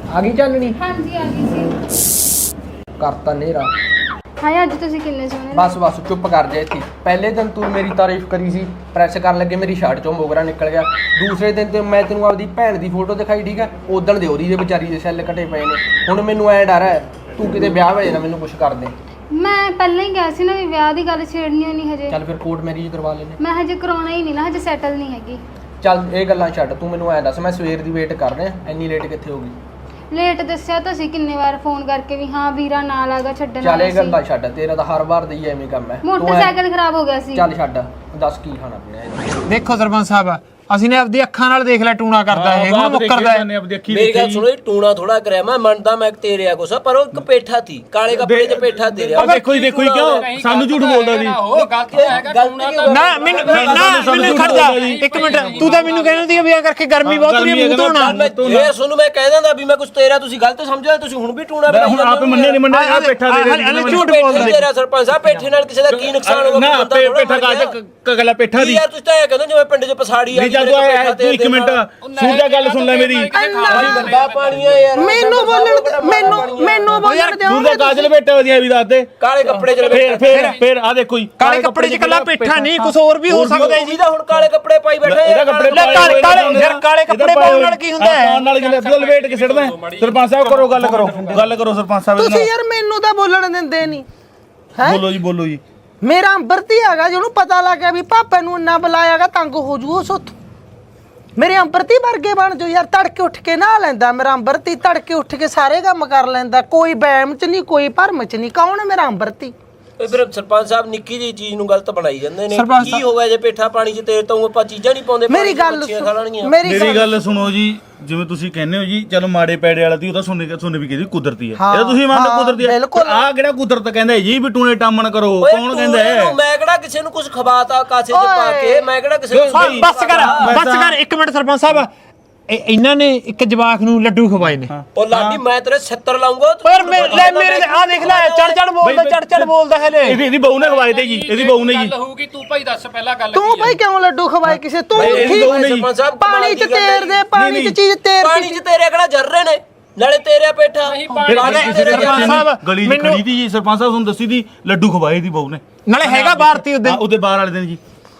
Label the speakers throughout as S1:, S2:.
S1: ਆ ਗਈ ਚਾਨਣੀ?
S2: ਹਾਂਜੀ ਆ ਗਈ ਸੀ।
S1: ਕਰਤਾ ਨੇਰਾ।
S2: ਹਾਏ ਅੱਜ ਤੁਸੀਂ ਕਿੰਨੇ ਸੋਹਣੇ
S1: ਬਸ ਚੁੱਪ ਕਰ ਜਾ ਇੱਥੇ। ਪਹਿਲੇ ਦਿਨ ਤੂੰ ਮੇਰੀ ਤਾਰੀਫ ਕਰੀ ਸੀ, ਪ੍ਰੈਸ ਕਰਨ ਲੱਗੇ ਮੇਰੀ ਸ਼ਰਟ ਚੋਂ ਮੋਗਰਾ ਨਿਕਲ ਗਿਆ। ਦੂਸਰੇ ਦਿਨ ਤੇ ਮੈਂ ਤੈਨੂੰ ਆਪਦੀ ਭੈਣ ਦੀ ਫੋਟੋ ਦਿਖਾਈ, ਠੀਕ ਹੈ, ਉਦਣ ਦੇ ਉਹਦੀ ਦੇ ਵਿਚਾਰੀ ਦੇ ਸੈੱਲ ਘਟੇ ਪਏ ਨੇ। ਹੁਣ ਮੈਨੂੰ ਐ ਡਰ ਹੈ ਤੂੰ ਕਿਤੇ ਵਿਆਹ ਵੇ ਨਾ ਮੈਨੂੰ ਕੁਛ ਕਰ ਦੇ।
S2: ਮੈਂ ਪਹਿਲਾਂ ਹੀ ਕਿਹਾ ਸੀ ਨਾ ਵੀ ਵਿਆਹ ਦੀ ਗੱਲ ਛੇੜਨੀ ਨਹੀਂ ਹਜੇ।
S1: ਚੱਲ ਫਿਰ ਕੋਰਟ ਮੈਰਿਜ ਕਰਵਾ ਲੈਨੇ।
S2: ਮੈਂ ਹਜੇ ਕਰਾਉਣਾ ਹੀ ਨਹੀਂ ਨਾ, ਹਜੇ ਸੈਟਲ ਨਹੀਂ ਹੈਗੀ।
S1: ਚੱਲ ਇਹ ਗੱਲਾਂ ਛੱਡ, ਤੂੰ ਮੈਨੂੰ ਐ ਦੱਸ ਮੈਂ ਸਵੇਰ ਦੀ ਵੇਟ ਕਰ ਰਿਹਾ, ਇੰਨੀ ਲੇਟ ਕਿੱਥੇ ਹੋ ਗਈ?
S2: ਲੇਟ ਦੱਸਿਆ ਤਾਂ ਸੀ ਕਿੰਨੇ ਵਾਰ ਫੋਨ ਕਰਕੇ ਵੀ ਹਾਂ ਵੀਰਾ ਨਾਲ ਆਗਾ ਛੱਡਣ।
S1: ਚੱਲ ਇਹ ਗੱਲਾਂ ਛੱਡ, ਤੇਰਾ ਤਾਂ ਹਰ ਵਾਰ ਦੀ ਐਵੇਂ ਕੰਮ ਹੈ।
S2: ਮੋਟਰਸਾਈਕਲ ਖਰਾਬ ਹੋ ਗਿਆ ਸੀ।
S1: ਚੱਲ ਛੱਡ, ਦੱਸ ਕੀ ਖਾਣਾ ਪੀਣਾ ਹੈ?
S3: ਦੇਖੋ ਸਰਪੰਚ ਸਾਹਿਬ, ਅਸੀਂ ਨੇ ਆਪਦੀ ਅੱਖਾਂ ਨਾਲ ਦੇਖ ਲਿਆ ਟੂਣਾ ਕਰਦਾ ਇਹ, ਹੁਣ ਮੁੱਕਰਦਾ ਹੈ।
S4: ਮੇਰੀ ਗੱਲ ਸੁਣੋ, ਟੂਣਾ ਥੋੜਾ ਕਰਿਆ ਮੈਂ ਮੰਨਦਾ, ਮੈਂ ਤੇਰੇ ਆ ਕੁਛ, ਪਰ ਉਹ ਇੱਕ ਪੇਠਾ ਸੀ, ਕਾਲੇ ਕੱਪੜੇ 'ਚ ਪੇਠਾ ਦੇ ਰਿਹਾ।
S5: ਦੇਖੋ ਜੀ ਕਿਉਂ ਸਾਨੂੰ ਝੂਠ ਬੋਲਦਾ ਜੀ?
S3: ਨਾ ਮੈਨੂੰ ਖੜ ਜਾ ਇੱਕ ਮਿੰਟ, ਤੂੰ ਤਾਂ ਮੈਨੂੰ ਕਹਿੰਦਾ ਸੀ ਵੀ ਆ ਕਰਕੇ ਗਰਮੀ ਬਹੁਤ ਹੋ ਰਹੀ ਹੈ, ਮੂੰਹ ਧੋਣਾ।
S4: ਇਹ ਸੁਣ, ਮੈਂ ਕਹਿ ਦਿੰਦਾ ਵੀ ਮੈਂ ਕੁਛ ਤੇਰਾ ਤੁਸੀਂ ਗਲਤ ਸਮਝਿਆ, ਤੁਸੀਂ ਹੁਣ ਵੀ ਟੂਣਾ ਬਣਾਈ
S5: ਹੁਣ ਆਪ ਮੰਨੇ ਨਹੀਂ ਮੰਨਿਆ, ਆ ਪੇਠਾ ਦੇ
S3: ਹਲੇ ਝੂਠ ਬੋਲਦਾ
S4: ਤੇਰਾ ਸਰਪੰਚ ਸਾਹਿਬ। ਪੇਠੇ ਨਾਲ ਕਿਸੇ ਦਾ ਕੀ ਨੁਕਸਾਨ ਹੋਗਾ?
S5: ਨਾ ਪੇਠਾ ਕਗਲਾ ਪੇਠਾ ਦੀ
S4: ਯਾਰ ਤੁਸੀਂ ਤਾਂ ਇਹ ਕਹਿੰਦੇ ਜਿਵੇਂ ਪਿੰਡ 'ਚ ਪਸਾੜੀ ਆ।
S5: ਤੂੰ ਇੱਕ ਮਿੰਟ ਸੂਰਜਾ ਗੱਲ ਸੁਣ ਲੈ ਮੇਰੀ।
S4: ਗੰਦਾ ਪਾਣੀ ਆ ਯਾਰ,
S6: ਮੈਨੂੰ ਬੋਲਣ ਦਿਓ।
S5: ਸੂਰਜਾ ਕਾਜਲ ਬੇਟਾ ਵਧੀਆ ਵੀ ਦੱਸ ਦੇ।
S4: ਕਾਲੇ ਕੱਪੜੇ 'ਚ
S5: ਫੇਰ ਆ ਦੇਖੋ ਜੀ,
S3: ਕਾਲੇ ਕੱਪੜੇ 'ਚ ਕੱਲਾ ਪੇਠਾ ਨਹੀਂ, ਕੁਝ ਹੋਰ ਵੀ ਹੋ ਸਕਦਾ ਹੈ ਜੀ।
S4: ਜਿਹਦਾ ਹੁਣ ਕਾਲੇ ਕੱਪੜੇ ਪਾਈ ਬੈਠਾ
S5: ਇਹਦਾ ਕੱਪੜੇ
S3: ਕਾਲੇ ਕੱਪੜੇ ਪਾਉਣ ਨਾਲ ਕੀ ਹੁੰਦਾ ਹੈ?
S5: ਪਾਉਣ ਨਾਲ ਕੀ ਲਪੇਟ ਕੇ ਸਿੱਟਦਾ। ਸਰਪੰਚ ਸਾਹਿਬ ਕਰੋ ਗੱਲ ਕਰੋ ਸਰਪੰਚ ਸਾਹਿਬ
S6: ਤੁਸੀਂ ਯਾਰ ਮੈਨੂੰ ਤਾਂ ਬੋਲਣ ਦਿੰਦੇ ਨਹੀਂ ਹੈ।
S5: ਬੋਲੋ ਜੀ।
S6: ਮੇਰਾ ਅੰਬਰਤੀ ਹੈਗਾ, ਜਿਹਨੂੰ ਪਤਾ ਲੱਗ ਗਿਆ ਵੀ ਪਾਪੇ ਨੂੰ ਇੰਨਾ ਬੁਲਾਇਆਗਾ, ਤੰਗ ਹੋ ਜੂ ਉਸ ਉੱਥੋਂ। ਮੇਰੇ ਅੰਬਰਤੀ ਵਰਗੇ ਬਣ ਜੋ ਯਾਰ, ਤੜਕੇ ਉੱਠ ਕੇ ਨਹਾ ਲੈਂਦਾ ਮੇਰਾ ਅੰਬਰਤੀ, ਤੜਕੇ ਉੱਠ ਕੇ ਸਾਰੇ ਕੰਮ ਕਰ ਲੈਂਦਾ, ਕੋਈ ਵਹਿਮ ਚ ਨਹੀਂ, ਕੋਈ ਭਰਮ ਚ ਨਹੀਂ। ਕੌਣ ਹੈ ਮੇਰਾ ਅੰਬਰਤੀ?
S4: ਫਿਰ ਸਰਪੰਚ ਸਾਹਿਬ ਨਿੱਕੀ ਜਿਹੀ ਚੀਜ਼ ਨੂੰ ਗਲਤ ਬਣਾਈ ਜਾਂਦੇ ਨੇ। ਕੀ ਹੋ ਗਿਆ ਜੇ ਪੇਠਾ ਪਾਣੀ 'ਚ ਤੇਰੇ ਤੋਂ ਆਪਾਂ ਚੀਜ਼ਾਂ ਨਹੀਂ ਪਾਉਂਦੇ?
S6: ਮੇਰੀ ਗੱਲ
S5: ਸੁਣੋ ਜੀ, ਜਿਵੇਂ ਤੁਸੀਂ ਕਹਿੰਦੇ ਹੋ ਜੀ, ਚਲੋ ਮਾੜੇ ਪੈੜੇ ਵਾਲਾ ਤੀ ਉਹ ਤਾਂ ਸੁਣ ਵੀ ਕਹਿੰਦੀ ਕੁਦਰਤੀ ਹੈ, ਇਹ ਤੁਸੀਂ ਮੰਨਦੇ ਕੁਦਰਤੀ ਹੈ। ਆਹ ਕਿਹੜਾ ਕੁਦਰਤ ਕਹਿੰਦਾ ਜੀ ਵੀ ਟੂਣੇ ਟਾਮਣ ਕਰੋ? ਕੌਣ ਕਹਿੰਦਾ ਹੈ?
S4: ਮੈਂ ਕਿਹੜਾ ਕਿਸੇ ਨੂੰ ਕੁਝ ਖਵਾਤਾ ਕਾਸੇ 'ਚ ਪਾ ਕੇ? ਮੈਂ ਕਿਹੜਾ ਕਿਸੇ ਨੂੰ?
S3: ਬਸ ਕਰ ਇੱਕ ਮਿੰਟ ਸਰਪੰਚ ਸਾਹਿਬ, ਇਹਨਾਂ ਨੇ ਇੱਕ ਜਵਾਕ ਨੂੰ ਲੱਡੂ ਖਵਾਏ ਨੇ।
S4: ਉਹ ਲਾਡੀ ਮੈਂ ਤੇਰੇ 70 ਲਾਉਂਗਾ।
S3: ਪਰ ਮੇਰੇ ਆ ਦੇਖ ਲੈ, ਚੜ ਬੋਲਦਾ ਹੈ ਲੈ।
S5: ਇਹਦੀ ਬਹੂ ਨੇ ਖਵਾਏ ਤੇ ਜੀ, ਇਹਦੀ ਬਹੂ ਨੇ ਜੀ।
S7: ਗੱਲ ਹੋਊਗੀ, ਤੂੰ ਭਾਈ ਦੱਸ ਪਹਿਲਾਂ ਗੱਲ।
S6: ਤੂੰ ਭਾਈ ਕਿਉਂ ਲੱਡੂ ਖਵਾਏ ਕਿਸੇ? ਤੂੰ
S4: ਸਰਪੰਚ ਸਾਹਿਬ
S6: ਪਾਣੀ ਚ ਤੇਰ ਦੇ, ਪਾਣੀ ਚ ਚੀਜ਼ ਤੇਰ,
S4: ਪਾਣੀ 'ਚ ਤੇਰੇ ਕਿਹੜਾ ਜਰ ਰਹੇ ਨੇ, ਨਾਲੇ ਤੇਰੇ ਪੇਠਾ।
S5: ਗਲੀ ਦੀ ਖੜੀ ਦੀ ਜੀ, ਸਰਪੰਚ ਸਾਹਿਬ ਤੁਹਾਨੂੰ ਦੱਸੀ ਦੀ ਲੱਡੂ ਖਵਾਏ ਦੀ ਬਹੂ ਨੇ,
S3: ਨਾਲੇ ਹੈਗਾ ਭਾਰਤੀ
S5: ਉਹਦੇ ਬਾਹਰ ਵਾਲੇ ਦਿਨ ਜੀ।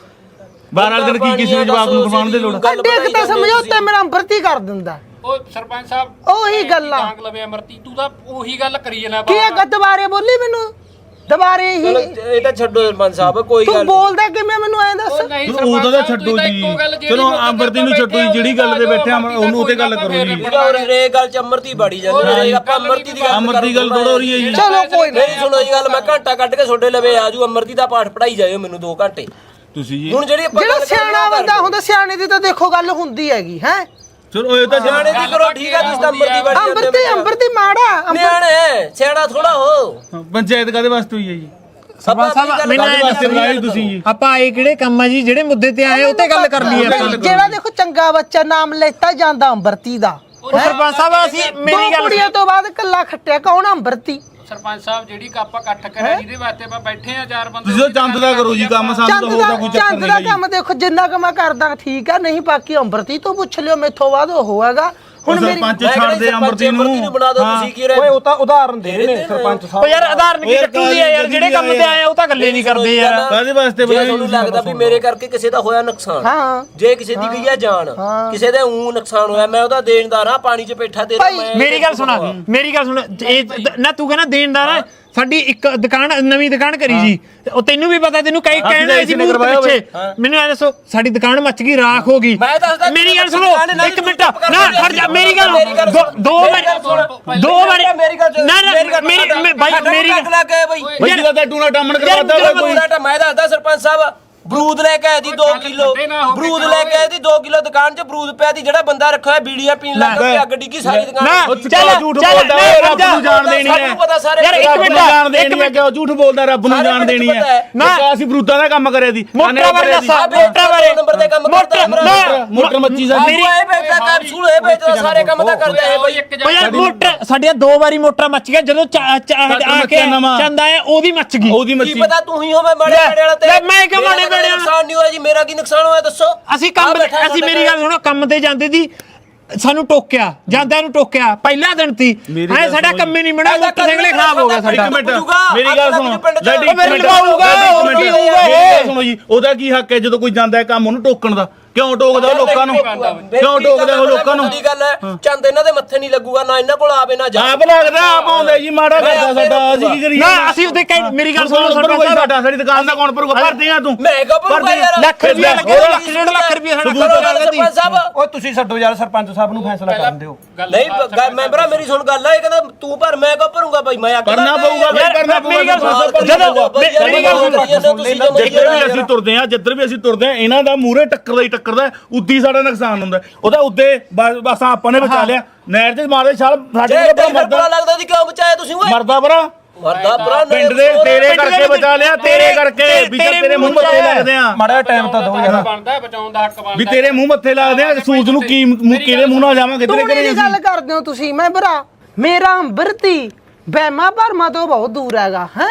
S5: ਬਾਹਰ ਵਾਲੇ ਦਿਨ ਕੀ ਕਿਸੇ ਨੂੰ ਜਵਾਬ ਨੂੰ ਖਵਾਉਣ ਦੀ ਲੋੜ?
S6: ਦੇਖ ਤਾਂ ਸਮਝੌਤੇ ਮੇਰਾ ਅੰਬਰਤੀ ਕਰ ਦਿੰਦਾ।
S7: ਉਹ ਸਰਪੰਚ ਸਾਹਿਬ
S6: ਉਹੀ ਗੱਲਾਂ
S7: ਟਾਂਗ ਲਵੇ ਅਮਰਤੀ, ਤੂੰ ਤਾਂ ਉਹੀ ਗੱਲ ਕਰੀ ਜਨਾ।
S6: ਕੀ ਹੈ ਦੁਬਾਰੇ ਬੋਲੀ ਮੈਨੂੰ? ਦੁਬਾਰੇ ਹੀ
S4: ਇਹ ਤਾਂ ਛੱਡੋ ਸਰਪੰਚ ਸਾਹਿਬ, ਕੋਈ ਗੱਲ
S6: ਤੂੰ ਬੋਲਦਾ ਕਿਵੇਂ ਮੈਨੂੰ ਐਂ ਦੱਸ?
S5: ਉਹਦਾ ਤਾਂ ਛੱਡੋ ਜੀ, ਚਲੋ ਅੰਬਰਤੀ ਨੂੰ ਛੱਡੋ ਜੀ, ਜਿਹੜੀ ਗੱਲ ਤੇ ਬੈਠੇ ਉਹਨੂੰ ਉਤੇ ਗੱਲ ਕਰੋ ਜੀ।
S4: ਰੇ ਗੱਲ ਚ ਅਮਰਤੀ ਬਾੜੀ ਜਾਂਦੀ, ਆਪਾਂ ਅਮਰਤੀ ਦੀ ਗੱਲ
S5: ਥੋੜਾ ਹੋ ਰਹੀ ਹੈ ਜੀ।
S6: ਚਲੋ ਕੋਈ
S4: ਨਹੀਂ, ਸੁਣੋ ਜੀ ਗੱਲ, ਮੈਂ ਘੰਟਾ ਕੱਢ ਕੇ ਤੁਹਾਡੇ ਲਵੇ ਆਜੂ, ਅਮਰਤੀ ਦਾ ਪਾਠ ਪੜਾਈ ਜਾਇਓ ਮੈਨੂੰ 2 ਘੰਟੇ।
S5: ਤੁਸੀਂ ਜੀ
S4: ਹੁਣ
S6: ਜਿਹੜਾ ਸਿਆਣਾ ਬੰਦਾ ਹੁੰਦਾ, ਸਿਆਣੇ ਦੀ ਤਾਂ ਦੇਖੋ ਗੱਲ ਹੁੰਦੀ ਹੈਗੀ ਹੈ।
S5: ਚਲੋ ਇਹ ਤਾਂ
S4: ਸਿਆਣੇ ਦੀ ਕਰੋ, ਠੀਕ ਹੈ, ਤੁਸੀਂ ਤਾਂ
S6: ਅੰਬਰਤੀ ਮਾੜਾ
S4: ਨਿਆਣੇ, ਸਿਆਣਾ ਥੋੜਾ ਹੋ।
S5: ਪੰਚਾਇਤ ਕਾਦੇ ਵਾਸਤੇ ਹੋਈ ਹੈ ਜੀ?
S3: ਸਰਪੰਚ ਸਾਹਿਬ ਮੈਨੂੰ
S5: ਵਾਸਤੇ ਬੁਲਾਏ ਤੁਸੀਂ ਜੀ।
S3: ਆਪਾਂ ਇਹ ਕਿਹੜੇ ਕੰਮ ਆ ਜੀ, ਜਿਹੜੇ ਮੁੱਦੇ ਤੇ ਆਏ ਉਹ ਤੇ ਗੱਲ ਕਰ ਲਈਏ ਆਪਾਂ।
S6: ਜਿਹੜਾ ਦੇਖੋ ਚੰਗਾ ਬੱਚਾ ਨਾਮ ਲੈਤਾ ਜਾਂਦਾ ਅੰਬਰਤੀ ਦਾ।
S3: ਸਰਪੰਚ ਸਾਹਿਬ ਅਸੀਂ ਮੇਰੀ ਗੱਲ
S6: ਕੁੜੀਆਂ ਤੋਂ ਬਾਅਦ ਕੱਲਾ ਖੱਟਿਆ, ਕੌਣ ਅੰਬਰਤੀ?
S7: ਸਰਪੰਚ ਸਾਹਿਬ ਜਿਹੜੀ ਕੱਪ ਇਕੱਠ ਕਰਿਆ, ਜਿਹਦੇ ਵਾਸਤੇ ਆਪਾਂ ਬੈਠੇ ਆ 4 ਬੰਦੇ,
S5: ਤੁਸੀਂ ਚੰਦ ਦਾ ਕਰੋ ਜੀ ਕੰਮ, ਸਾਨੂੰ ਤਾਂ ਹੋਰ ਤਾਂ ਕੋਈ ਚੱਕਰ
S6: ਚੰਦ ਦਾ ਕੰਮ ਦੇਖੋ ਜਿੰਨਾ ਕੁ ਮੈਂ ਕਰਦਾ ਠੀਕ ਆ, ਨਹੀਂ ਬਾਕੀ ਅੰਬਰਤੀ ਤੋਂ ਪੁੱਛ ਲਿਓ, ਮੈਥੋਂ ਬਾਅਦ ਉਹ ਹੈਗਾ। ਹੁਣ ਮੇਰੀ
S5: ਸਰਪੰਚ ਛੱਡ ਦੇ ਅੰਬਰਤੀ ਨੂੰ
S4: ਬਣਾ ਦਿਓ ਤੁਸੀਂ ਕੀ
S1: ਓਏ ਉਹ ਤਾਂ ਉਦਾਹਰਨ ਦੇ ਰਹੇ ਨੇ ਸਰਪੰਚ ਸਾਹਿਬ।
S3: ਓ ਯਾਰ ਆਧਾਰਨ ਕੀ ਕੱਟੂ ਦੀ ਹੈ ਯਾਰ, ਜਿਹੜੇ ਕੰਮ ਤੇ ਆਏ ਉਹ ਤਾਂ ਗੱਲੇ ਨਹੀਂ ਕਰਦੇ ਯਾਰ।
S5: ਕਾਦੇ ਵਾਸਤੇ
S4: ਜੇ ਤੁਹਾਨੂੰ ਲੱਗਦਾ ਵੀ ਮੇਰੇ ਕਰਕੇ ਕਿਸੇ ਦਾ ਹੋਇਆ ਨੁਕਸਾਨ,
S6: ਹਾਂ,
S4: ਜੇ ਕਿਸੇ ਦੀ ਗਈ ਆ ਜਾਨ, ਕਿਸੇ ਦੇ ਊਂ ਨੁਕਸਾਨ ਹੋਇਆ, ਮੈਂ ਉਹਦਾ ਦੇਣਦਾਰ ਆ। ਪਾਣੀ 'ਚ ਪੇਠਾ ਦੇ ਰਿਹਾ।
S3: ਮੇਰੀ ਗੱਲ ਸੁਣ, ਇਹ ਨਾ ਤੂੰ ਕਹਿੰਦਾ ਦੇਣਦਾਰ ਆ। ਸਾਡੀ ਇੱਕ ਦੁਕਾਨ, ਨਵੀਂ ਦੁਕਾਨ ਕਰੀ ਜੀ, ਉਹ ਤੈਨੂੰ ਵੀ ਪਤਾ, ਤੈਨੂੰ ਕਈ ਕਹਿਣ ਆਏ ਸੀ ਮੂਹਰਤ ਪਿੱਛੇ। ਮੈਨੂੰ ਐ ਦੱਸੋ, ਸਾਡੀ ਦੁਕਾਨ ਮੱਚ ਗਈ, ਰਾਖ ਹੋ ਗਈ। ਮੇਰੀ ਗੱਲ ਸੁਣੋ ਇੱਕ ਮਿੰਟ, ਨਾ ਖੜ ਜਾ, ਮੇਰੀ ਗੱਲ 2 ਵਾਰੀ
S4: ਮੇਰੀ ਗੱਲ
S3: ਨਾ ਬਾਈ ਮੇਰੀ
S4: ਬਈ
S5: ਜਿਹਦਾ ਤਾਂ ਟੂਣਾ ਟਾਮਣ ਕਰਵਾਦਾ ਕੋਈ।
S4: ਮੈਂ ਦੱਸਦਾ ਸਰਪੰਚ ਸਾਹਿਬ, ਬਰੂਦ ਲੈ ਕੇ ਆਏ ਦੀ 2 ਕਿਲੋ, ਬਰੂਦ ਲੈ ਕੇ ਆਏ ਦੀ 2 ਕਿਲੋ, ਦੁਕਾਨ 'ਚ ਬਰੂਦ ਪਿਆ ਦੀ, ਜਿਹੜਾ ਬੰਦਾ ਰੱਖਿਆ ਹੋਇਆ ਬੀੜੀਆਂ ਪੀਣ ਲੱਗ ਪਿਆ, ਅੱਗ ਡਿੱਗੀ ਸਾਰੀ ਦੁਕਾਨ।
S5: ਚੱਲ ਝੂਠ ਬੋਲਦਾ, ਰੱਬ ਨੂੰ ਜਾਣ ਦੇਣੀ ਹੈ।
S4: ਪਤਾ ਸਾਰੇ
S3: ਯਾਰ ਇੱਕ ਮਿੰਟ
S5: ਜਾਣ ਦੇਣੀ ਹੈ, ਕਿਉਂ ਝੂਠ ਬੋਲਦਾ? ਰੱਬ ਨੂੰ ਜਾਣ ਦੇਣੀ ਹੈ ਨਾ। ਅਸੀਂ ਬਰੂਦਾਂ ਦਾ ਕੰਮ ਕਰਿਆ ਦੀ,
S3: ਮੋਟਰ ਬਾਰੇ ਦੱਸ, ਮੋਟਰ ਬਾਰੇ
S4: ਨੰਬਰ ਦੇ ਕੰਮ ਕਰਦਾ
S5: ਮੋਟਰ ਮੱਚੀ ਜਾਂਦੀ।
S4: ਇਹ ਵੇਚਦਾ ਕੈਪਸੂਲ, ਇਹ ਵੇਚਦਾ, ਸਾਰੇ ਕੰਮ ਤਾਂ ਕਰਦਾ ਹੈ ਬਈ।
S3: ਓ ਯਾਰ ਮੋਟਰ ਸਾਡੀਆਂ 2 ਵਾਰੀ ਮੋਟਰਾਂ ਮੱਚ ਗਿਆ, ਜਦੋਂ ਆ ਕੇ ਚੰਦ ਆਇਆ ਉਹਦੀ ਮੱਚ ਗਈ।
S5: ਉਹਦੀ
S4: ਕੀ
S5: ਮੱਚੀ
S4: ਪਤਾ ਤੂੰ ਹੀ ਹੋਵੇਂ ਮਾੜੇ ਬੇੜੇ ਵਾਲਾ ਤੇ
S3: ਮੈਂ ਕਿਉਂ ਮਾੜੇ ਬੇੜੇ ਵਾਲਾ?
S4: ਨੁਕਸਾਨ ਨਹੀਂ ਹੋਇਆ ਜੀ, ਮੇਰਾ ਕੀ ਨੁਕਸਾਨ ਹੋਇਆ ਦੱਸੋ?
S3: ਅਸੀਂ ਮੇਰੀ ਗੱਲ ਸੁਣੋ, ਕੰਮ ਤੇ ਜਾਂਦੇ ਸੀ, ਸਾਨੂੰ ਟੋਕਿਆ ਜਾਂਦਿਆਂ ਨੂੰ ਟੋਕਿਆ ਪਹਿਲਾ ਦਿਨ ਸੀ ਐ ਸਾਡਾ ਕੰਮ ਹੀ ਨਹੀਂ ਬਣਿਆ ਮੋਟਰਸਾਈਕਲ ਹੀ ਖਰਾਬ ਹੋ ਗਿਆ ਸਾਡਾ
S5: ਇੱਕ ਮਿੰਟ ਮੇਰੀ ਗੱਲ ਸੁਣੋ
S3: ਉਹ ਮੇਰੇ ਲਵਾਊਗਾ ਹੋਰ ਕੀ ਹੋਊਗਾ ਇਹ
S5: ਸੁਣੋ ਜੀ ਉਹਦਾ ਕੀ ਹੱਕ ਹੈ ਜਦੋਂ ਕੋਈ ਜਾਂਦਾ ਹੈ ਕੰਮ ਉਹਨੂੰ ਟੋਕਣ ਦਾ ਕਿਉਂ ਟੋਕਦਾ ਉਹ ਲੋਕਾਂ ਨੂੰ ਕਿਉਂ ਟੋਕਦਾ ਉਹ ਲੋਕਾਂ ਨੂੰ
S4: ਦੀ ਗੱਲ ਹੈ ਚੰਦ ਇਹਨਾਂ ਦੇ ਮੱਥੇ ਨਹੀਂ ਲੱਗੂਗਾ ਨਾ ਇਹਨਾਂ ਕੋਲ ਆਵੇ ਨਾ ਜਾ
S5: ਆਪ ਲੱਗਦਾ ਆਪ ਆਉਂਦਾ ਜੀ ਮਾੜਾ ਕਰਦਾ ਸਾਡਾ ਅਸੀਂ ਕੀ ਕਰੀਏ
S3: ਨਾ ਅਸੀਂ ਉਹਦੇ ਮੇਰੀ ਗੱਲ ਸੁਣੋ
S5: ਸਾਡਾ ਸਾਡੀ ਦੁਕਾਨ ਦਾ ਕੌਣ ਭਰੂਗਾ ਭਰਦੇ ਆ ਤੂੰ
S4: ਮੈਂ ਕੋ ਭਰੂਗਾ ਯਾਰ
S3: ਲੱਖ ਰੁਪਏ ਲੱਗੇ ਲੱਖ ਡੇਢ ਲੱਖ ਰੁਪਏ
S4: ਸਰਪੰਚ ਸਾਹਿਬ
S1: ਓਏ ਤੁਸੀਂ ਛੱਡੋ ਯਾਰ ਸਰਪੰਚ ਸਾਹਿਬ ਨੂੰ ਫੈਸਲਾ ਕਰਨ ਦਿਓ
S4: ਨਹੀਂ ਮੈਂਬਰਾ ਮੇਰੀ ਸੁਣ ਗੱਲ ਆ ਇਹ ਕਹਿੰਦਾ ਤੂੰ ਭਰ ਮੈਂ ਕੋ ਭਰੂੰਗਾ ਭਾਈ ਮੈਂ
S5: ਕਰਨਾ ਪਊਗਾ ਬਈ ਕਰਨਾ ਪਊਗਾ
S3: ਮੇਰੀ ਗੱਲ
S5: ਜਿੱਧਰ ਵੀ ਅਸੀਂ ਤੁਰਦੇ ਆ ਜਿੱਧਰ ਵੀ ਅਸੀਂ ਤੁਰਦੇ ਆ ਇਹਨਾਂ ਦਾ ਮੂਹਰੇ ਟੱਕਰਦਾ ਉੱਦੀ ਸਾਡਾ ਨੁਕਸਾਨ ਹੁੰਦਾ ਉਹਦਾ ਉੱਦੇ ਬਸ ਆਪਾਂ ਨੇ ਬਚਾ ਲਿਆ ਨਹਿਰ ਚ ਮਾਰਦੇ ਛਾਲ ਸਾਡੇ ਕੋਲ
S4: ਮਰਦਾ ਲੱਗਦਾ ਸੀ ਕਿਉਂ ਬਚਾਇਆ ਤੁਸੀਂ ਓਏ
S5: ਮਰਦਾ ਬਰਾ
S4: ਮਰਦਾ ਭਰਾ
S5: ਪਿੰਡ ਦੇ ਤੇਰੇ ਕਰਕੇ ਬਚਾ ਲਿਆ ਤੇਰੇ ਕਰਕੇ ਵੀ ਤੇਰੇ ਮੂੰਹ ਮੱਥੇ ਲੱਗਦੇ ਆ
S1: ਮਾੜਾ ਟਾਈਮ ਤਾਂ ਦਿਓ ਯਾਰ
S7: ਬਣਦਾ ਬਚਾਉਣ ਦਾ ਹੱਕ ਬਣਦਾ
S5: ਵੀ ਤੇਰੇ ਮੂੰਹ ਮੱਥੇ ਲੱਗਦੇ ਆ ਸੂਰਜ ਨੂੰ ਕੀ ਕਿਹਦੇ ਮੂੰਹ ਨਾਲ ਜਾਵਾਂਗੇ ਤੇਰੇ
S6: ਤੂੜੀ
S5: ਘਰੇ
S6: ਦੀ ਗੱਲ ਕਰਦੇ ਹੋ ਤੁਸੀਂ ਮੈਂ ਭਰਾ ਮੇਰਾ ਅੰਬਰਤੀ ਬਹਿਮਾ ਭਰਮਾ ਤੋਂ ਬਹੁਤ ਦੂਰ ਹੈਗਾ ਹੈ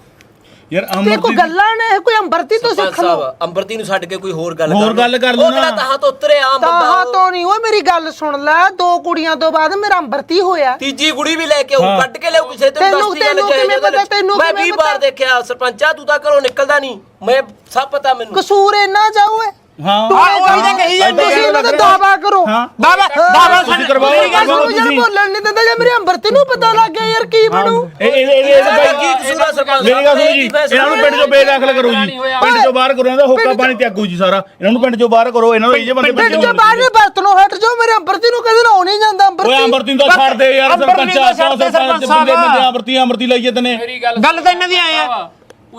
S5: ਯਾਰ
S6: ਤੇ ਕੋਈ ਗੱਲਾਂ ਨੇ ਕੋਈ ਅੰਬਰਤੀ ਤੋਂ ਸਿੱਖ ਲਓ
S4: ਸਾਹਿਬ ਅੰਬਰਤੀ ਨੂੰ ਛੱਡ ਕੇ ਕੋਈ ਹੋਰ ਗੱਲ
S5: ਕਰ ਲਓ ਨਾ
S4: ਤਾਂ ਤੋਂ ਉਤਰੇ ਆਮ
S6: ਤਾਹਾ ਤੋਂ ਨਹੀਂ ਓਏ ਮੇਰੀ ਗੱਲ ਸੁਣ ਲੈ 2 ਕੁੜੀਆਂ ਤੋਂ ਬਾਅਦ ਮੇਰਾ ਅੰਬਰਤੀ ਹੋਇਆ
S4: ਤੀਜੀ ਕੁੜੀ ਵੀ ਲੈ ਕੇ ਆਉ ਕੱਢ ਕੇ ਲਿਆਉ ਕਿਸੇ
S6: ਤੈਨੂੰ ਕਿਵੇਂ ਪਤਾ ਤੈਨੂੰ
S4: ਮੈਂ 20 ਵਾਰ ਦੇਖਿਆ ਸਰਪੰਚਾ ਤੂੰ ਤਾਂ ਘਰੋਂ ਨਿਕਲਦਾ ਨਹੀਂ ਮੈਂ ਸਭ ਪਤਾ ਮੈਨੂੰ
S6: ਕਸੂਰ ਇੰਨਾ ਜਾਊ ਏ
S5: ਹਾਂ
S3: ਉਹੀ ਤਾਂ ਕਹੀ ਜਾਂਦੇ
S6: ਤੁਸੀਂ ਇਹਨਾਂ ਦਾ ਦਾਵਾ ਕਰੋ
S3: ਬਾਬਾ
S5: ਤੁਸੀਂ ਕਰਵਾਓ
S6: ਮੇਰੀ ਗੱਲ ਸੁਣੋ ਯਾਰ ਬੋਲਣ ਨਹੀਂ ਦਿੰਦਾ ਜੇ ਮੇਰੇ ਅੰਬਰਤੀ ਨੂੰ ਪਤਾ ਲੱਗ ਗਿਆ ਯਾਰ ਕੀ ਬਣੂ
S5: ਇਹ
S4: ਕੀ ਕਸੂਰ ਆ ਸਰਪੰਚ
S5: ਮੇਰੀ ਗੱਲ ਸੁਣੋ ਜੀ ਇਹਨਾਂ ਨੂੰ ਪਿੰਡ ਚੋਂ ਬੇਦਾਖਲ ਕਰੋ ਜੀ ਪਿੰਡ ਚੋਂ ਬਾਹਰ ਕਰੋ ਇਹਦਾ ਹੋਕਾ ਪਾਣੀ ਤਿਆਗੂ ਜੀ ਸਾਰਾ ਇਹਨਾਂ ਨੂੰ ਪਿੰਡ ਚੋਂ ਬਾਹਰ ਕਰੋ ਇਹਨਾਂ ਨੂੰ ਇਹ ਜੇ ਬੰਦੇ
S6: ਪਿੰਡ ਚ ਬਾਹਰ ਨੇ ਬਰਤਨੋਂ ਹਟ ਜਾਓ ਮੇਰੇ ਅੰਬਰਤੀ ਨੂੰ ਕਦੇ ਨਾ ਨਹੀਂ ਜਾਂਦਾ
S5: ਓਏ ਅੰਮ੍ਰਿਤੀ ਨੂੰ ਤਾਂ ਛੱਡ ਦੇ ਯਾਰ ਸਰਪੰਚਾ ਸਰਪੰਚ ਬੰਦੇ ਅੰਮ੍ਰਿਤੀ ਲਈਏ ਤਨੇ
S7: ਮੇਰੀ
S3: ਗੱਲ ਤਾਂ ਇਹਨਾਂ ਦੀ ਆਏ ਆ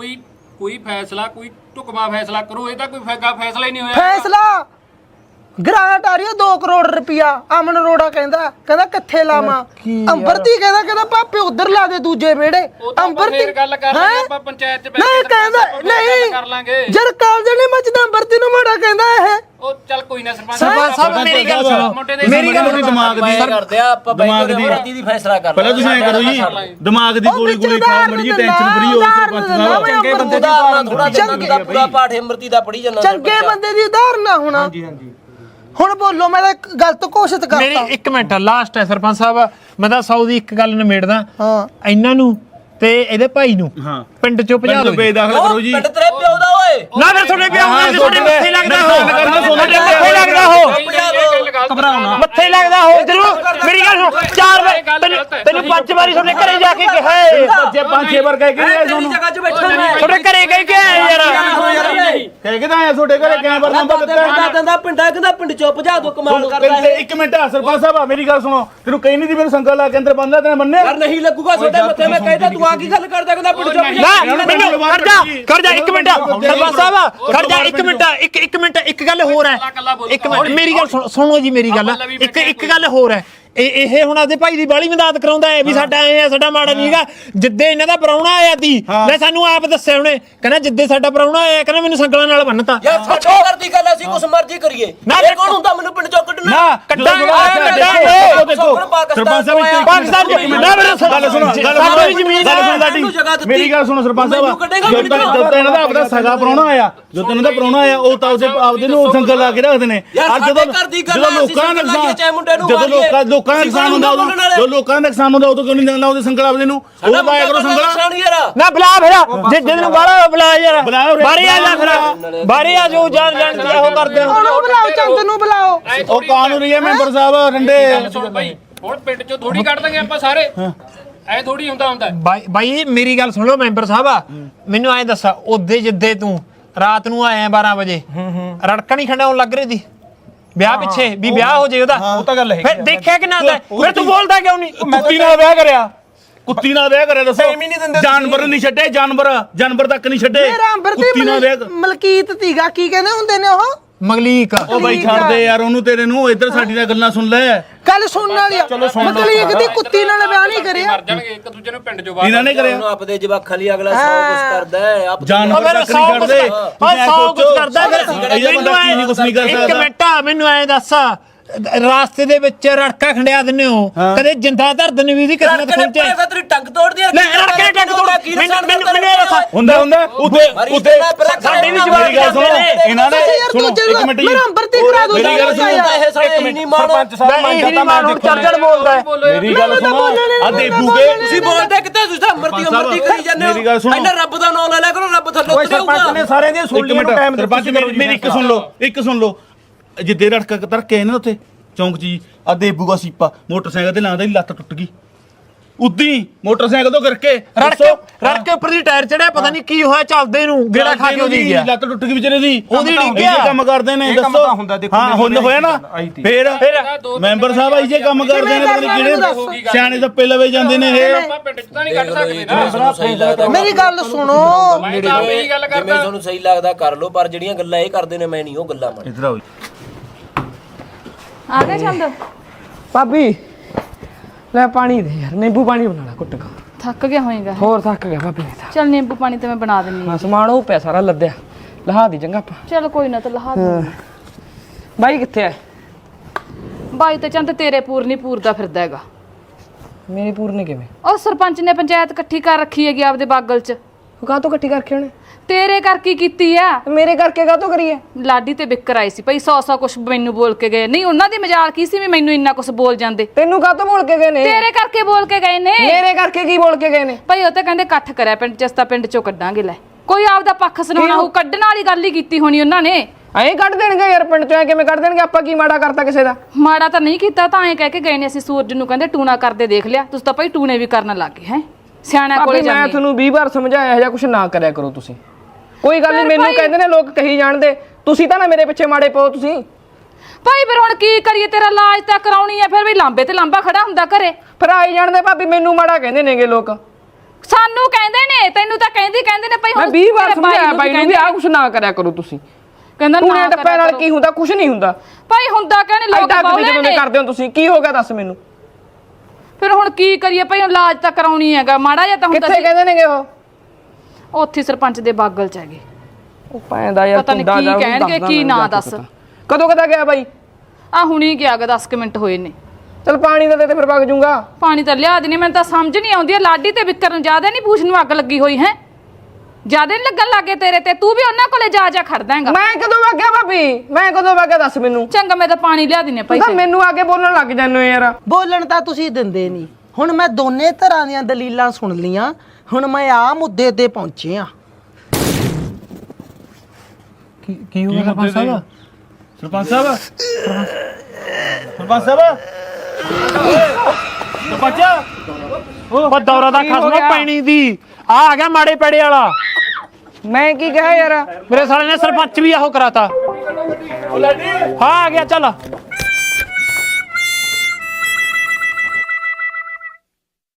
S7: ਕੋਈ ਫੈਸਲਾ ਕੋਈ ਢੁਕਮਾ ਫੈਸਲਾ ਕਰੋ ਇਹ ਤਾਂ ਕੋਈ ਫੈਸਲਾ ਹੀ ਨਹੀਂ ਹੋਇਆ
S6: ਫੈਸਲਾ ਗ੍ਰਾਂਟ ਆ ਰਹੀ 2 ਕਰੋੜ ਰੁਪਿਆ ਅਮਨ ਰੋੜਾ ਕਹਿੰਦਾ ਕਿੱਥੇ ਲਾਵਾਂ ਅੰਬਰਤੀ ਕਹਿੰਦਾ ਪਾਪੇ ਉਧਰ ਲਾ ਦੇ ਦੂਜੇ ਵਿਹੜੇ
S7: ਅੰਬਰਤੀ ਗੱਲ ਕਰ ਲਾਂਗੇ ਆਪਾਂ ਪੰਚਾਇਤ ਚ
S6: ਨਹੀਂ ਕਹਿੰਦਾ ਨਹੀਂ
S7: ਕਰ ਲਾਂਗੇ
S6: ਜਦ ਕਾਲਜ ਨਹੀਂ ਮੱਚਦਾ ਅੰਬਰਤੀ ਨੂੰ ਮਾੜਾ ਕਹਿੰਦਾ ਇਹ
S7: ਉਹ ਚੱਲ ਕੋਈ ਨਾ ਸਰਪੰਚ
S3: ਸਾਹਿਬ ਮੇਰੀ ਗੱਲ ਸੁਣੋ
S5: ਮੇਰੀ ਗੱਲ ਨਹੀਂ ਦਿਮਾਗ ਦੀ
S4: ਕਰਦੇ ਆ ਆਪਾਂ
S5: ਦਿਮਾਗ ਦੀ
S4: ਅੰਬਰਤੀ ਦੀ ਫੈਸਲਾ ਕਰ
S5: ਪਹਿਲਾਂ ਤੁਸੀਂ ਐ ਕਰੋ ਜੀ ਦਿਮਾਗ ਦੀ ਗੋਲੀ ਖਾਓ ਮੜੀ ਜੀ ਟੈਨਸ਼ਨ ਫਰੀ ਹੋ ਸਰਪੰਚ ਸਾਹਿਬ
S4: ਚੰਗੇ ਬੰਦੇ ਦੀ ਥੋੜਾ ਚੰਗਾ ਪੂਰਾ ਪਾਠ ਅੰਮ੍ਰਿਤੀ ਦਾ ਪੜੀ ਜਾਂਦਾ
S6: ਚੰਗੇ ਬੰਦੇ ਦੀ ਉਦਾਹਰਣ ਹੋਣਾ ਹਾਂਜੀ ਹੁਣ ਬੋਲੋ ਮੈਂ ਤਾਂ ਗਲਤ ਘੋਸ਼ਿਤ ਕਰਤਾ
S3: ਮੇਰੀ 1 ਮਿੰਟ ਲਾਸਟ ਹੈ ਸਰਪੰਚ ਸਾਹਿਬ ਮੈਂ ਤਾਂ 100 ਦੀ ਇੱਕ ਗੱਲ ਨਿਮੇੜਦਾ ਇਹਨਾਂ ਨੂੰ ਤੇ ਇਹਦੇ ਭਾਈ ਨੂੰ ਪਿੰਡ ਚੋਂ ਭਜਾ ਦਿਓ
S5: ਬੇਦਾਖਲ ਕਰੋ ਜੀ
S4: ਪਿੰਡ ਤੇਰੇ ਪਿਓ ਦਾ ਓਏ
S3: ਨਾ ਫਿਰ ਤੁਹਾਡੇ ਪਿਓ ਹੋਣਗੇ ਤੁਹਾਡੇ ਮੱਥੇ ਲੱਗਦਾ ਹੋ ਤੁਹਾਡੇ ਮੱਥੇ ਲੱਗਦਾ ਹੋ
S7: ਘਬਰਾਉਣਾ
S3: ਮੱਥੇ ਲੱਗਦਾ ਹੋ ਜਰੂਰ ਮੇਰੀ ਗੱਲ ਸੁਣ 4 ਵਾਰ ਤੈਨੂੰ 5 ਵਾਰੀ ਤੁਹਾਡੇ ਘਰੇ ਜਾ ਕੇ ਕਿਹਾ
S5: ਬੱਚੇ 5-6 ਵਾਰ ਕਹਿ ਕੇ ਆਏ ਤੁਹਾਨੂੰ
S4: ਜਗ੍ਹਾ 'ਚ ਬੈਠਾ ਮੈਂ
S3: ਤੁਹਾਡੇ ਘਰੇ ਕਹਿ ਕੇ ਆਏ ਯਾਰ
S5: ਕਹਿ ਕੇ ਤਾਂ ਆਇਆ ਤੁਹਾਡੇ ਘਰੇ ਕੈਮਰਾ ਨੰਬਰ ਦਿੱਤਾ
S4: ਕਹਿੰਦਾ ਪਿੰਡ ਚੋਂ ਭਜਾ ਦੋ ਕਮਾਲ ਕਰਦਾ
S5: ਤੇ 1 ਮਿੰਟ ਸਰਪੰਚ ਸਾਹਿਬ ਮੇਰੀ ਗੱਲ ਸੁਣੋ ਤੈਨੂੰ ਕਹੀ ਨਹੀਂ ਦੀ ਮੇਰੇ ਸੰਗਲ ਲਾ ਕੇ ਅੰਦਰ ਬੰਦਾ ਤੈਨੂੰ ਮੰਨਿਆ
S4: ਯਾਰ ਨਹੀਂ ਲੱਗੂਗਾ ਤੁਹਾਡੇ ਮੱਥੇ ਮੈਂ ਕਹਿੰਦਾ ਤੂੰ ਆ ਕੀ ਗੱਲ ਕਰਦਾ ਕਹਿੰਦਾ ਪਿੰਡ ਚੋਂ
S3: ਨਾ ਮੈਨੂੰ ਖੜ ਜਾ 1 ਮਿੰਟ ਸਰਪੰਚ ਸਾਹਿਬ ਖੜ ਜਾ 1 ਮਿੰਟ ਇੱਕ ਮਿੰਟ ਇੱਕ ਗੱਲ ਹੋਰ ਹੈ ਇੱਕ ਮਿੰਟ ਮੇਰੀ ਗੱਲ ਸੁਣੋ ਜੀ ਮੇਰੀ ਗੱਲ ਇੱਕ ਗੱਲ ਹੋਰ ਹੈ ਇਹ ਹੁਣ ਆਪਦੇ ਭਾਈ ਦੀ ਬਾਲੀ ਮਦਦ ਕਰਾਉਂਦਾ ਹੈ ਵੀ ਸਾਡਾ ਐ ਆ ਸਾਡਾ ਮਾੜਾ ਨਹੀਂਗਾ ਜਿੱਦੇ ਇਹਨਾਂ ਦਾ ਪ੍ਰਾਹੁਣਾ ਆਇਆ ਸੀ ਮੈਂ ਸਾਨੂੰ ਆਪ ਦੱਸਿਆ ਉਹਨੇ ਕਹਿੰਦਾ ਜਿੱਦੇ ਸਾਡਾ ਪ੍ਰਾਹੁਣਾ ਆਇਆ ਕਹਿੰਦਾ ਮੈਨੂੰ ਸੰਗਲਾਂ ਨਾਲ ਬੰਨਤਾ
S4: ਯਾਰ ਛੱਡੋ ਕਰਦੀ ਗੱਲ ਅਸੀਂ ਕੁਛ ਮਰਜ਼ੀ ਕਰੀਏ
S3: ਨਾ
S4: ਇਹ ਕੌਣ ਹੁੰਦਾ ਮੈਨੂੰ ਪਿੰਡ ਚੋਂ ਕੱਢਣਾ
S5: ਨਾ
S3: ਕੱਢਾਂਗੇ
S5: ਦੇਖੋ ਸਰਪੰਚ ਸਾਹਿਬ
S3: ਪਾਕਿਸਤਾਨ ਚ ਨਾ ਮੇਰੇ
S5: ਗੱਲ ਸੁਣੋ
S3: ਸਾਡੀ ਜ਼ਮੀਨ
S5: ਗੱਲ ਸੁਣ ਸਾਡੀ ਮੇਰੀ ਗੱਲ ਸੁਣੋ ਸਰਪੰਚ ਸਾਹਿਬ ਜਦੋਂ ਇਹਨਾਂ ਦਾ ਆਪਣਾ ਸਗਾ ਪ੍ਰਾਹੁਣਾ ਆਇਆ ਜਦੋਂ ਇਹਨਾਂ ਦਾ ਪ੍ਰਾਹੁਣਾ ਆਇਆ ਉਹ ਤਾਂ ਆਪਦੇ ਨੂੰ ਸੰਗਲ ਲਾ ਕੇ ਰੱਖਦੇ ਨੇ ਅੱਜ ਜਦੋਂ ਲੋਕਾਂ ਦਾ ਨੁਕਸਾਨ ਜਦੋਂ ਲੋਕਾਂ ਦਾ ਨੁਕਸਾਨ ਹੁੰਦਾ ਜੋ ਲੋਕਾਂ ਦਾ ਨੁਕਸਾਨ ਹੁੰਦਾ ਉਦੋਂ ਕਿਉਂ ਨਹੀਂ ਲਾਉਂਦੇ ਸੰਗਲ ਆਪਦੇ ਨੂੰ ਉਹ ਲਾਇਆ ਕਰੋ ਸੰਗਲ
S3: ਨਾ ਬੁਲਾ ਫਿਰ ਜੇ ਜਿਹਨੂੰ ਬਾਹਲਾ ਬੁਲਾ ਯਾਰ ਬਾਰੇ ਆ ਜਾ ਫਿਰ ਬਾਰੇ ਆ ਜੋ ਜਾਣ ਜਾਣਦੀ ਉਹ ਕਰਦੇ
S6: ਉਹਨੂੰ ਬੁਲਾਓ ਚੰਦ ਨੂੰ ਬੁਲਾਓ
S5: ਉਹ ਕਾਨੂੰਨੀ ਹੈ ਮੈਂਬਰ ਸਾਹਿਬ ਰੰਡੇ
S7: ਸੁਣ ਬਾਈ ਹੁਣ ਪਿੰਡ ਚੋਂ ਥੋੜੀ ਕੱਢ ਦਾਂਗੇ ਆਪਾਂ ਸਾਰੇ ਐ ਥੋੜੀ ਹੁੰਦਾ
S3: ਬਾਈ ਮੇਰੀ ਗੱਲ ਸੁਣ ਲਓ ਮੈਂਬਰ ਸਾਹਿਬ ਮੈਨੂੰ ਐਂ ਦੱਸ ਉਹਦੇ ਜਿੱਦੇ ਤੂੰ ਰਾਤ ਨੂੰ ਆਇਆ 12 ਵਜੇ ਰੜਕਾ ਨਹੀਂ ਖੰਡਾਉਣ ਲੱਗ ਰਹੀ ਸੀ ਵਿਆਹ ਪਿੱਛੇ ਵੀ ਵਿਆਹ ਹੋ ਜੇ ਉਹਦਾ
S1: ਉਹ ਤਾਂ ਗੱਲ ਹੈ
S3: ਫਿਰ ਦੇਖਿਆ ਕਿ ਨਾ ਫਿਰ ਤੂੰ ਬੋਲਦਾ ਕਿਉਂ ਨਹੀਂ
S5: ਕੁੱਤੀ ਨਾਲ ਵਿਆਹ ਕਰਿਆ ਦੱਸੋ ਜਾਨਵਰ ਨਹੀਂ ਛੱਡੇ ਜਾਨਵਰ ਤੱਕ ਨਹੀਂ ਛੱਡੇ
S6: ਮੇਰਾ ਅੰਬਰਤੀ ਮਲਕੀਤ ਤੀਗਾ ਕੀ ਕਹਿੰਦੇ ਹੁੰਦੇ ਨੇ ਉਹ
S3: ਮਗਲੀਕ
S5: ਉਹ ਬਾਈ ਛੱਡ ਦੇ ਯਾਰ ਉਹਨੂੰ ਤੇਰੇ ਨੂੰ ਇੱਧਰ ਸਾਡੀ ਦਾ ਗੱਲਾਂ ਸੁਣ ਲੈ
S6: ਗੱਲ ਸੁਣਨ ਵਾਲੀ ਮਤਲਬ ਇਹ ਕਿਤੇ ਕੁੱਤੀ ਨਾਲ ਵਿਆਹ ਨਹੀਂ ਕਰਿਆ
S7: ਮਰ ਜਾਣਗੇ ਇੱਕ ਦੂਜੇ ਨੂੰ ਪਿੰਡ ਚੋਂ ਬਾਹਰ
S5: ਇਹਨਾਂ ਨੇ ਕਰਿਆ
S4: ਆਪਦੇ ਜਵਾਖਾਂ ਲਈ ਅਗਲਾ 100 ਕੁਝ ਕਰਦਾ ਹੈ
S5: ਜਾਨਵਰ ਤੱਕ ਨਹੀਂ ਛੱਡਦੇ
S3: ਸੌ ਕੁਝ ਕਰਦਾ
S5: ਇਹ ਬੰਦਾ ਕੀ ਨਹੀਂ ਕੁਝ ਨਹੀਂ ਕਰ ਸਕਦਾ
S3: ਇੱਕ ਮਿੰਟ ਮੈਨੂੰ ਐਂ ਦੱਸ ਰਾਸਤੇ ਦੇ ਵਿੱਚ ਰੜਕਾ ਖੰਡਿਆ ਦਿੰਦੇ ਹੋ ਕਦੇ ਜਿੰਦਾ ਧਰ ਦਿੰਦੇ ਵੀ ਦੀ ਕਿਸਮਤ ਖੁੰਚੇ
S4: ਤੇਰੀ ਟੰਗ ਤੋੜਦੀ ਹੈ
S3: ਲੈ ਰੜਕੇ ਟੰਗ ਤੋੜ ਮੈਨੂੰ ਇਹ ਦੱਸ
S5: ਹੁੰਦਾ ਉੱਤੇ
S3: ਸਾਡੇ ਵੀ
S5: ਮੇਰੀ ਗੱਲ ਸੁਣੋ ਇਹਨਾਂ ਨੇ ਸੁਣੋ ਇੱਕ ਮਿੰਟ
S6: ਮੇਰਾ ਅੰਬਰਤੀ ਕਰਾ ਦੋ
S5: ਮੇਰੀ ਗੱਲ ਸੁਣੋ
S4: ਇਹ ਸਾਰੇ ਨਹੀਂ ਮਾਣ
S5: ਸਰਪੰਚ ਸਾਹਿਬ ਮੈਂ ਤਾਂ ਮੈਂ
S3: ਚੜ ਬੋਲਦਾ ਹੈ।
S5: ਮੇਰੀ ਗੱਲ ਸੁਣੋ ਆ ਦੇਖੂਗੇ
S4: ਤੁਸੀਂ ਬੋਲਦੇ ਕਿਤੇ ਤੁਸੀਂ ਤਾਂ ਅੰਮ੍ਰਿਤੀ ਕਰੀ ਜਾਂਦੇ ਹੋ
S5: ਮੇਰੀ ਗੱਲ ਸੁਣੋ।
S4: ਇਹਨਾਂ ਰੱਬ ਦਾ ਨਾਮ ਲੈ ਲਿਆ ਕਰੋ ਰੱਬ ਥੱਲੇ ਉਤਰੇਗਾ
S7: ਸਾਰਿਆਂ ਦੀਆਂ
S5: ਇੱਕ ਮਿੰਟ ਸਰਪੰਚ ਮੇਰੀ ਇੱਕ ਸੁਣ ਲਓ ਜਿੱਦੇ ਰੜਕ ਧਰਕੇ ਨਾ ਉੱਥੇ ਚੌਂਕ 'ਚ ਜੀ ਆ ਦੇਬੂਗਾ ਸੀਪਾ ਮੋਟਰਸਾਈਕਲ ਤੇ ਲਾਂਦਾ ਹੀ ਲੱਤ ਟੁੱਟ ਗਈ ਉਦੀ ਮੋਟਰਸਾਈਕਲ ਤੋਂ ਕਰਕੇ
S3: ਰੜ ਕੇ ਉੱਪਰ ਦੀ ਟਾਇਰ ਚੜਿਆ ਪਤਾ ਨਹੀਂ ਕੀ ਹੋਇਆ ਚੱਲਦੇ ਨੂੰ ਗੇੜਾ ਖਾ ਕੇ ਉਹਦੀ ਗਿਆ
S5: ਲੱਤ ਟੁੱਟ ਗਈ ਵਿਚਾਰੇ ਦੀ
S3: ਉਹਦੀ ਡਿੱਗ ਗਿਆ।
S5: ਇਹ ਕੰਮ ਕਰਦੇ ਨੇ ਦੱਸੋ ਹਾਂ ਹੁਣ ਹੋਇਆ ਨਾ ਫੇਰ ਮੈਂਬਰ ਸਾਹਿਬ ਆਈ ਜੇ ਕੰਮ ਕਰਦੇ ਨੇ ਕਿਹੜੇ ਸਿਆਣੇ ਤਾਂ ਪਹਿਲਾਂ ਵੇ ਜਾਂਦੇ ਨੇ ਇਹ
S7: ਆਪਾਂ ਪਿੰਡ 'ਚ ਤਾਂ ਨਹੀਂ ਕੱਢ ਸਕਦੇ ਨਾ
S6: ਮੇਰੀ ਗੱਲ ਸੁਣੋ
S7: ਮੈਂ ਤਾਂ ਇਹੀ ਗੱਲ
S4: ਜਿਵੇਂ
S7: ਕਰਦਾ
S4: ਤੁਹਾਨੂੰ ਸਹੀ ਲੱਗਦਾ ਕਰ ਲਓ ਪਰ ਜਿਹੜੀਆਂ ਗੱਲਾਂ ਇਹ ਕਰਦੇ ਨੇ ਮੈਂ ਨਹੀਂ ਉਹ ਗੱਲਾਂ ਮੰਨ
S5: ਇਧਰ ਆਓ
S8: ਆ ਗਿਆ ਚੰਦ
S9: ਭਾਬੀ ਲੈ ਪਾਣੀ ਦੇ ਯਾਰ ਨਿੰਬੂ ਪਾਣੀ ਬਣਾ ਲੈ ਕੁੱਟ ਕੇ
S8: ਥੱਕ ਗਿਆ ਹੋਏਗਾ
S9: ਹੋਰ ਥੱਕ ਗਿਆ ਭਾਬੀ ਮੈਂ ਤਾਂ
S8: ਚਲ ਨਿੰਬੂ ਪਾਣੀ ਤੇ ਮੈਂ ਬਣਾ ਦਿੰਨੀ
S9: ਹਾਂ ਸਮਾਨ ਉਹ ਪਿਆ ਸਾਰਾ ਲੱਦਿਆ ਲਹਾ ਦੀ ਚੰਗਾ ਆਪਾਂ
S8: ਚਲ ਕੋਈ ਨਾ ਤਾਂ ਲਹਾ ਦੇ
S9: ਬਾਈ ਕਿੱਥੇ ਐ
S8: ਬਾਈ ਤੇ ਚੰਦ ਤੇਰੇ ਪੂਰ ਨਹੀਂ ਪੂਰਦਾ ਫਿਰਦਾ ਹੈਗਾ
S9: ਮੇਰੀ ਪੂਰਨੇ ਕਿਵੇਂ
S8: ਉਹ ਸਰਪੰਚ ਨੇ ਪੰਚਾਇਤ ਇਕੱਠੀ ਕਰ ਰੱਖੀ ਹੈਗੀ ਆਪਦੇ ਬਾਗਲ 'ਚ
S9: ਉਹ ਕਾਹ ਤੋਂ ਇਕੱਠੀ ਕਰਕੇ ਉਹਨੇ
S8: ਤੇਰੇ ਕਰ ਕੀ ਕੀਤੀ ਆ
S9: ਮੇਰੇ ਕਰਕੇ ਕਾਹ ਤੋਂ ਕਰੀਏ
S8: ਲਾਡੀ ਤੇ ਬਿੱਕਰ ਆਈ ਸੀ ਭਈ 100 ਕੁਛ ਮੈਨੂੰ ਬੋਲ ਕੇ ਗਏ ਨਹੀਂ ਉਹਨਾਂ ਦੀ ਮਜ਼ਾਲ ਕੀ ਸੀ ਵੀ ਮੈਨੂੰ ਇੰਨਾ ਕੁਛ ਬੋਲ ਜਾਂਦੇ
S9: ਤੈਨੂੰ ਕਾਹ ਤੋਂ ਬੋਲ ਕੇ ਗਏ ਨੇ
S8: ਤੇਰੇ ਕਰਕੇ ਬੋਲ ਕੇ ਗਏ ਨੇ
S9: ਮੇਰੇ ਕਰਕੇ ਕੀ ਬੋਲ ਕੇ ਗਏ ਨੇ
S8: ਭਈ ਉਹ ਤਾਂ ਕਹਿੰਦੇ ਇਕੱਠ ਕਰਿਆ ਪਿੰਡ ਚ ਅਸਤਾ ਪਿੰਡ ਚੋਂ ਕੱਢਾਂਗੇ ਲੈ ਕੋਈ ਆਪਦਾ ਪੱਖ ਸੁਣਾਉਣਾ ਹੋ ਕੱਢਣ ਵਾਲੀ ਗੱਲ ਹੀ ਕੀਤੀ ਹੋਣੀ ਉਹਨਾਂ ਨੇ
S9: ਐਂ ਕੱਢ ਦੇਣਗੇ ਯਾਰ ਪਿੰਡ ਚੋਂ ਕਿਵੇਂ ਕੱਢ ਦੇਣਗੇ ਆਪਾਂ ਕੀ ਮਾੜਾ ਕਰਤਾ ਕਿਸੇ ਦਾ
S8: ਮਾੜਾ ਤਾਂ ਨਹੀਂ ਕੀਤਾ ਤਾਂ ਐਂ ਕਹਿ ਕੇ ਗਏ ਨੇ ਅਸੀਂ ਸੂਰਜ ਨੂੰ ਕਹਿੰਦੇ ਟੂਣਾ ਕਰਦੇ ਦੇਖ ਲਿਆ ਤੁਸੀਂ ਤਾਂ ਭਾਈ ਟੂਣੇ ਵੀ ਕਰਨ ਲੱਗੇ ਹੈ ਸਿਆਣਾ ਕੋਲੇ
S9: ਭਾਬੀ ਮੈਂ
S8: ਜਾਂਦੇ
S9: ਤੁਹਾਨੂੰ 20 ਵਾਰ ਸਮਝਾਇਆ ਇਹ ਜਿਹਾ ਕੁਝ ਨਾ ਕਰਿਆ ਕਰੋ ਤੁਸੀਂ ਕੋਈ ਗੱਲ ਨਹੀਂ
S8: ਫਿਰ
S9: ਮੈਨੂੰ
S8: ਭਾਈ-
S9: ਕਹਿੰਦੇ ਨੇ ਲੋਕ ਕਹੀ ਜਾਣਦੇ ਤੁਸੀਂ ਤਾਂ ਨਾ ਮੇਰੇ ਪਿੱਛੇ ਮਾੜੇ ਪਾਓ ਤੁਸੀਂ
S8: ਭਾਈ ਫਿਰ ਹੁਣ ਕੀ ਕਰੀਏ ਤੇਰਾ ਇਲਾਜ ਤਾਂ ਕਰਾਉਣੀ ਹੈ ਫਿਰ ਵੀ ਲਾਂਬੇ ਤੇ ਲਾਂਬਾ ਖੜਾ ਹੁੰਦਾ ਘਰੇ
S9: ਫਿਰ ਆਈ ਜਾਣਦੇ ਭਾਬੀ ਮੈਨੂੰ ਮਾੜਾ ਕਹਿੰਦੇ ਨੇਗੇ ਲੋਕ
S8: ਸਾਨੂੰ ਕਹਿੰਦੇ ਨੇ ਤੈਨੂੰ ਤਾਂ ਕਹਿੰਦੇ ਨੇ ਭਾਈ
S9: ਮੈਂ 20 ਵਾਰ ਸਮਝਾਇਆ ਬਾਈ ਨੂੰ ਵੀ ਆਹ ਕੁਝ ਨਾ ਕਰਿਆ ਕਰੋ ਤੁਸੀਂ
S8: ਕਹਿੰਦਾ
S9: ਟੂਣੇ
S8: ਨਾ
S9: ਟੱਪੇ ਨਾਲ ਕੀ ਹੁੰਦਾ ਕੁਝ ਨਹੀਂ ਹੁੰਦਾ
S8: ਭਾਈ ਹੁੰਦਾ ਕਹਿੰਦੇ ਲੋਕ
S9: ਐਡਾ
S8: ਬੋਲੇ
S9: ਜਦੋਂ
S8: ਨੇ
S9: ਕਰਦੇ ਹੋ ਤੁਸੀਂ ਕੀ ਹੋ ਗਿਆ ਦੱਸ ਮੈਨੂੰ
S8: ਫਿਰ ਹੁਣ ਕੀ ਕਰੀਏ ਭਾਈ ਇਲਾਜ ਤਾਂ ਕਰਾਉਣੀ ਹੈਗਾ ਮਾੜਾ ਜਿਹਾ ਤਾਂ ਹੁੰਦਾ
S9: ਕਿੱਥੇ ਕਹਿੰਦੇ ਨੇਗੇ ਉਹ
S8: ਉੱਥੇ ਸਰਪੰਚ ਦੇ ਬਾਗਲ ਚ ਹੈਗੇ
S9: ਉਹ ਪੈਂਦਾ ਯਾਰ
S8: ਪਤਾ ਨੀ ਕੀ ਕਹਿਣਗੇ, ਕੀ ਨਾ ਦੱਸ।
S9: ਕਦੋਂ ਕਦਾ ਗਿਆ ਬਾਈ
S8: ਆ ਹੁਣੀ ਗਿਆ ਗਾ 10 ਮਿੰਟ ਹੋਏ ਨੇ
S9: ਚਲ ਪਾਣੀ ਦਾ ਦੇ ਤੇ ਫਿਰ ਵਗ ਜੂੰਗਾ
S8: ਪਾਣੀ ਤਾਂ ਲਿਆ ਦੇਣੀ ਮੈਨੂੰ ਤਾਂ ਸਮਝ ਨਹੀਂ ਆਉਂਦੀ ਲਾਡੀ ਤੇ ਵਿਕਰ ਨੂੰ ਜ਼ਿਆਦਾ ਨਹੀਂ ਪੂਛ ਨੂੰ ਅੱਗ ਲੱਗੀ ਹੋਈ ਹੈ ਜ਼ਿਆਦਾ ਨਹੀਂ ਲੱਗਣ ਲੱਗੇ ਤੇਰੇ ਤੇ ਤੂੰ ਵੀ ਉਹਨਾਂ ਕੋਲੇ ਜਾ ਖੜਦਾ ਹੈਗਾ
S9: ਮੈਂ ਕਦੋਂ ਵਗ ਗਿਆ ਭਾਬੀ ਮੈਂ ਕਦੋਂ ਵਗ ਗਿਆ ਦੱਸ ਮੈਨੂੰ
S8: ਚੰਗਾ ਮੈਂ ਤਾਂ ਪਾਣੀ ਲਿਆ ਦੇਣੇ ਭਾਈ
S9: ਤਾਂ ਮੈਨੂੰ ਆ ਕੇ ਬੋਲਣ ਲੱਗ ਜਾਂਦੇ ਹੋ ਯਾਰ
S6: ਬੋਲਣ ਤਾਂ ਤੁਸੀਂ ਦਿੰਦੇ ਨਹੀਂ ਹੁਣ ਮੈਂ ਦੋਨੇ ਤਰ੍ਹਾਂ ਦੀਆਂ ਦਲੀਲਾਂ ਸੁਣ ਲੀਆਂ ਹੁਣ ਮੈਂ ਆ ਮੁੱਦੇ ਤੇ ਪਹੁੰਚੇ ਆ
S3: ਕੀ ਹੋ ਗਿਆ ਸਰਪੰਚ ਸਾਹਿਬ
S5: ਸਰਪੰਚ ਸਾਹਿਬ ਸਰਪੰਚ ਸਾਹਿਬ ਸਰਪੰਚ
S3: ਉਹ ਦੌਰਾ ਦਾ ਖਸਮਾ ਪੈਣੀ ਦੀ ਆ ਗਿਆ ਮਾੜੇ ਪੈੜੇ ਵਾਲਾ
S9: ਮੈਂ ਕੀ ਕਿਹਾ ਯਾਰ
S3: ਮੇਰੇ ਸਾਲੇ ਨੇ ਸਰਪੰਚ ਵੀ ਆਹੋ ਕਰਾਤਾ ਹਾਂ ਆ ਗਿਆ ਚੱਲ